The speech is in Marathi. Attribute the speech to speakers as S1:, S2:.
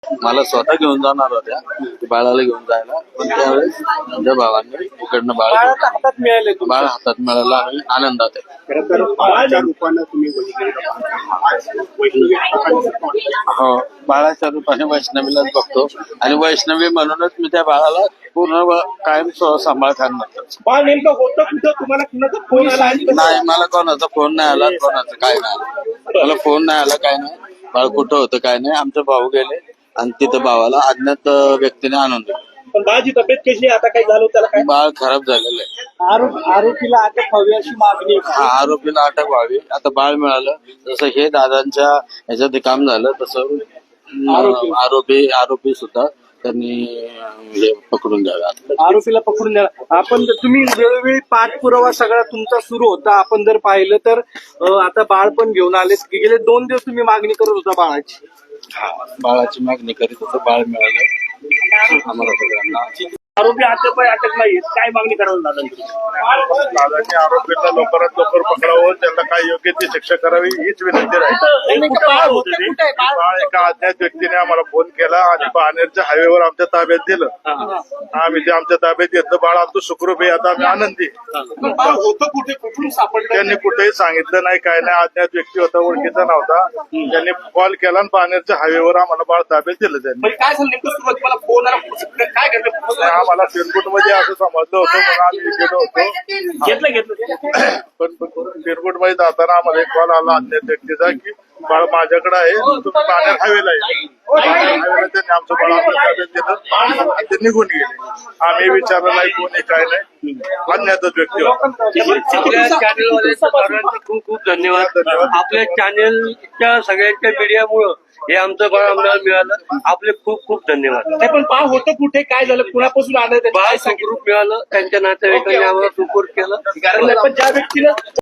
S1: मला स्वतः घेऊन जाणार होत्या बाळाला घेऊन जायला, पण त्यावेळेस माझ्या भावांनी इकडनं बाळ
S2: हातात मिळाले
S1: बाळ हातात मिळालं आणि आनंदात आहे.
S3: खरं तर बाळाच्या रूपानं तुम्ही
S1: हो, बाळाच्या रूपाने वैष्णवीलाच बघतो आणि वैष्णवी म्हणूनच मी त्या बाळाला पूर्ण कायम सांभाळ करणार.
S2: बाळ नेमकं होतं कुठं, तुम्हाला कुणाचा फोन आला आणि
S1: नाही, मला कोणाचा फोन नाही आला, कोणाचं काय नाही आलं. मला फोन नाही आला, काय नाही. बाळ कुठं होतं काय नाही. आमचे भाऊ गेले आणि तिथं भावाला अज्ञात व्यक्तीने आणून दिलं.
S2: पण बाळाची तब्येत कशी आहे आता, काय झालं त्याला काय?
S1: बाळ खराब झालेलं आहे.
S2: आरोपीला अटक व्हावी अशी मागणी आहे.
S1: हा, आरोपीला अटक व्हावी. आता बाळ मिळालं, जसं हे दादांच्या ह्याच्यात काम झालं तसं आरोपी सुद्धा त्यांनी हे पकडून द्यावे.
S2: आरोपीला पकडून द्या. आपण तुम्ही वेळोवेळी पाठपुरावा सगळा तुमचा सुरू होता. आपण जर पाहिलं तर आता बाळ पण घेऊन आले. गेले 2 दिवस तुम्ही मागणी करत होता बाळाची.
S1: हा, बाळाची मागणी करीत होतं. बाळ मिळालं आम्हाला सगळ्यांना.
S2: आरोपी अटक नाही, काय मागणी करायला दादा?
S3: दादांनी आरोपीला लवकरात लवकर पकडावं, त्यांना काय योग्य ती शिक्षा करावी हीच विनंती राहील. बाळ एका अज्ञात व्यक्तीने आम्हाला फोन केला आणि बाणेरच्या हायवेवर आमच्या ताब्यात दिलं. आम्ही ते आमच्या ताब्यात घेतलं. बाळ आमचं सुखरूप आहे. आता आम्ही आनंदी.
S2: होतं कुठे, कुठून सापडलं?
S3: त्यांनी कुठेही सांगितलं नाही, काय नाही. अज्ञात व्यक्ती होता, ओळखीचा नव्हता. त्यांनी कॉल केला आणि बाणेरच्या हायवेवर आम्हाला बाळ ताब्यात दिलं त्यांनी.
S2: काय झालं नेमकं, सुरुवातीला फोन आला, काय घडलं?
S3: आम्हाला पिरकुट मध्ये असं समजलं होतं म्हणून आम्ही गेलो होतो.
S2: घेतलं
S3: पण पिरकुट मध्ये जाताना आम्हाला एक कॉल आला अज्ञात व्यक्तीचा की बाळ माझ्याकडे आहे, तुम्ही बाणेर हायवेला आहे. हायवेला त्यांनी आमचं बाळ आपल्या ताब्यात दिलं आणि ते निघून गेले. आम्ही विचारलं नाही कोणी काय नाही, अज्ञातच व्यक्ती होता.
S4: आपल्या चॅनलवाले खूप खूप धन्यवाद. आपल्या चॅनलच्या सगळ्यांच्या मीडियामुळं हे आमचं बाळ आम्हाला मिळालं. आपले खूप खूप धन्यवाद.
S2: नाही, पण बाळ होतं कुठे, काय झालं, कुणापासून आलं?
S4: बाळ सुखरूप मिळालं. त्यांच्या नातेवाईकांनी आम्हाला सुपूर्द केलं.
S2: पण ज्या व्यक्तीला